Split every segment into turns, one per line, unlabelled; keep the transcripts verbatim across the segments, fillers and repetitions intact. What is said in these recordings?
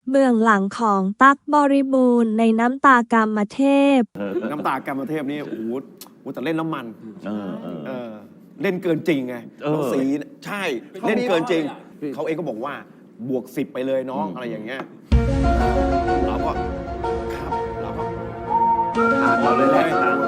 เบื้องหลังของตั๊กบริบูรณ์ในน้ำตากามเทพ
น้ำตากรรมเทพนี่โอ้โหแต่เล่นน้ำมัน
เออเออ
เออเล่นเกินจริงไง
เออ
น้องสีใช่เล่นเกินจริง เขาเองก็บอกว่าบวกสิบไปเลยน้องอะไรอย่างเงี้ยเราก็ครับเราก็
ผ่านเราเลยแหละ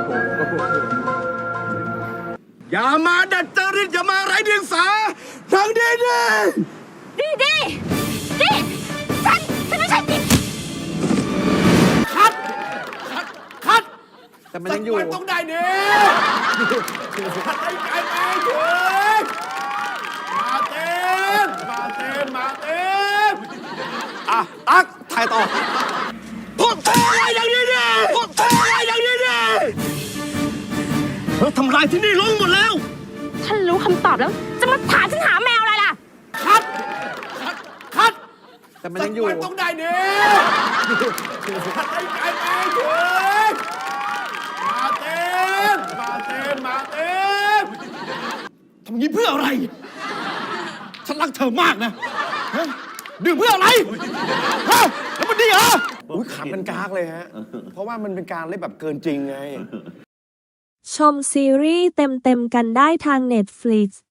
อย่ามาดัดจริตอย่ามาไร้เดียงสาทางดีดี
ดีดีดีฉันฉันไม่ใช่ดิ
คัดคัดคัด
แต่มันยังอยู่
สักวันต้องได้ดีคัดให้ไกลไปถึงมาเต้นมาเต้นมาเต้นอ่ะตักถ่ายต่อพวกเธออะไรอย่างนี้ดิพวกเธออะไรอย่างนี้ดิเธอทำลายที่นี่ลงหมดแล้ว
ฉันรู้คำตอบแล้ว จะมาถามฉันหาแมวอะไรล่ะ
คัด คัด คัด
แต่มันยังอยู่
สักวันต้องได้ดีคัดให้ไกลไปถึงมาเต้นมาเต้นมาเต้นทำงี้เพื่ออะไร ฉันรักเธอมากนะฮะดื่มเพื่ออะไรฮะแล้วมันดีเหรออุ้ยขำกันกากเลยฮะ เพราะว่ามันเป็นการเล่นแบบเกินจริงไง
ชมซีรีส์เต็มๆกันได้ทาง Netflix